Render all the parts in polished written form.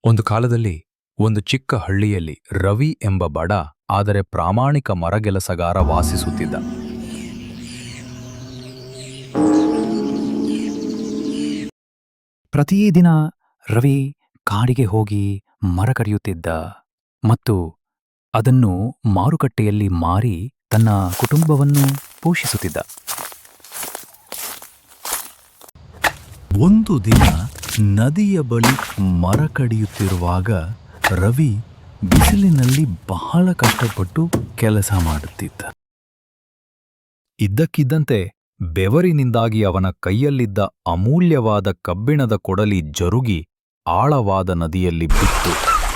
ಒಂದು ಕಾಲದಲ್ಲಿ ಒಂದು ಚಿಕ್ಕ ಹಳ್ಳಿಯಲ್ಲಿ ರವಿ ಎಂಬ ಬಡ ಆದರೆ ಪ್ರಾಮಾಣಿಕ ಮರಗೆಲಸಗಾರ ವಾಸಿಸುತ್ತಿದ್ದ. ಪ್ರತಿದಿನ ರವಿ ಕಾಡಿಗೆ ಹೋಗಿ ಮರ ಕಡಿಯುತ್ತಿದ್ದ ಮತ್ತು ಅದನ್ನು ಮಾರುಕಟ್ಟೆಯಲ್ಲಿ ಮಾರಿ ತನ್ನ ಕುಟುಂಬವನ್ನು ಪೋಷಿಸುತ್ತಿದ್ದ. ಒಂದು ದಿನ ನದಿಯ ಬಳಿ ಮರ ಕಡಿಯುತ್ತಿರುವಾಗ ರವಿ ಬಿಸಿಲಿನಲ್ಲಿ ಬಹಳ ಕಷ್ಟಪಟ್ಟು ಕೆಲಸ ಮಾಡುತ್ತಿದ್ದ. ಇದ್ದಕ್ಕಿದ್ದಂತೆ ಬೆವರಿನಿಂದಾಗಿ ಅವನ ಕೈಯಲ್ಲಿದ್ದ ಅಮೂಲ್ಯವಾದ ಕಬ್ಬಿಣದ ಕೊಡಲಿ ಜರುಗಿ ಆಳವಾದ ನದಿಯಲ್ಲಿ ಬಿತ್ತು.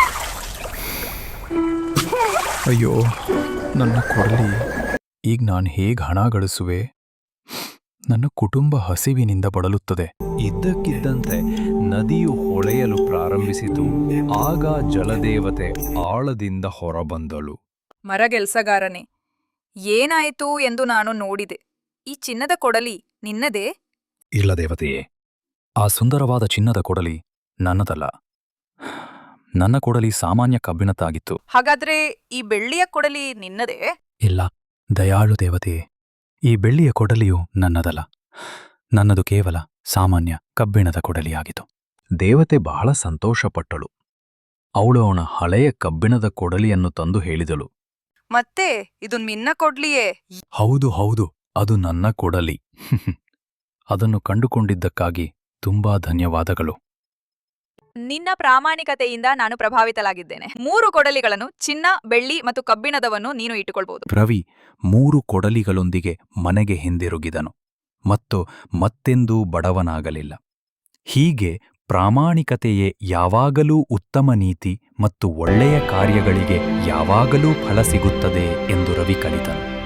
ಅಯ್ಯೋ, ನನ್ನ ಕೊಡಲಿ, ಈಗ ನಾನು ಹೇಗೆ ಹಣ ಗಳಿಸುವೆ? ನನ್ನ ಕುಟುಂಬ ಹಸಿವಿನಿಂದ ಬಳಲುತ್ತದೆ. ಇದ್ದಕ್ಕಿದ್ದಂತೆ ನದಿಯು ಹೊಳೆಯಲು ಪ್ರಾರಂಭಿಸಿತು. ಆಗ ಜಲದೇವತೆ ಆಳದಿಂದ ಹೊರಬಂದಳು. ಮರಗೆಲ್ಸಗಾರನೇ, ಏನಾಯಿತು ಎಂದು ನಾನು ನೋಡಿದೆ. ಈ ಚಿನ್ನದ ಕೊಡಲಿ ನಿನ್ನದೇ? ಇಲ್ಲ ದೇವತೆಯೇ, ಆ ಸುಂದರವಾದ ಚಿನ್ನದ ಕೊಡಲಿ ನನ್ನದಲ್ಲ. ನನ್ನ ಕೊಡಲಿ ಸಾಮಾನ್ಯ ಕಬ್ಬಿಣದ್ದಾಗಿತ್ತು. ಹಾಗಾದ್ರೆ ಈ ಬೆಳ್ಳಿಯ ಕೊಡಲಿ ನಿನ್ನದೇ? ಇಲ್ಲ, ದಯಾಳು ದೇವತೆಯೇ, ಈ ಬೆಳ್ಳಿಯ ಕೊಡಲಿಯು ನನ್ನದಲ್ಲ. ನನ್ನದು ಕೇವಲ ಸಾಮಾನ್ಯ ಕಬ್ಬಿಣದ ಕೊಡಲಿಯಾಗಿತ್ತು. ದೇವತೆ ಬಹಳ ಸಂತೋಷಪಟ್ಟಳು. ಅವಳು ಅವನ ಹಳೆಯ ಕಬ್ಬಿಣದ ಕೊಡಲಿಯನ್ನು ತಂದು ಹೇಳಿದಳು. ಮತ್ತೆ ಇದು ನಿನ್ನ ಕೊಡ್ಲಿಯೇ? ಹೌದು ಹೌದು, ಅದು ನನ್ನ ಕೊಡಲಿ. ಅದನ್ನು ಕಂಡುಕೊಂಡಿದ್ದಕ್ಕಾಗಿ ತುಂಬಾ ಧನ್ಯವಾದಗಳು. ನಿನ್ನ ಪ್ರಾಮಾಣಿಕತೆಯಿಂದ ನಾನು ಪ್ರಭಾವಿತಲಾಗಿದ್ದೇನೆ. 3 ಕೊಡಲಿಗಳನ್ನು, ಚಿನ್ನ, ಬೆಳ್ಳಿ ಮತ್ತು ಕಬ್ಬಿಣದವನ್ನು ನೀನು ಇಟ್ಟುಕೊಳ್ಬಹುದು. ರವಿ 3 ಕೊಡಲಿಗಳೊಂದಿಗೆ ಮನೆಗೆ ಹಿಂದಿರುಗಿದನು ಮತ್ತು ಮತ್ತೆಂದೂ ಬಡವನಾಗಲಿಲ್ಲ. ಹೀಗೆ ಪ್ರಾಮಾಣಿಕತೆಯೇ ಯಾವಾಗಲೂ ಉತ್ತಮ ನೀತಿ ಮತ್ತು ಒಳ್ಳೆಯ ಕಾರ್ಯಗಳಿಗೆ ಯಾವಾಗಲೂ ಫಲ ಸಿಗುತ್ತದೆ ಎಂದು ರವಿ ಕಲಿತನು.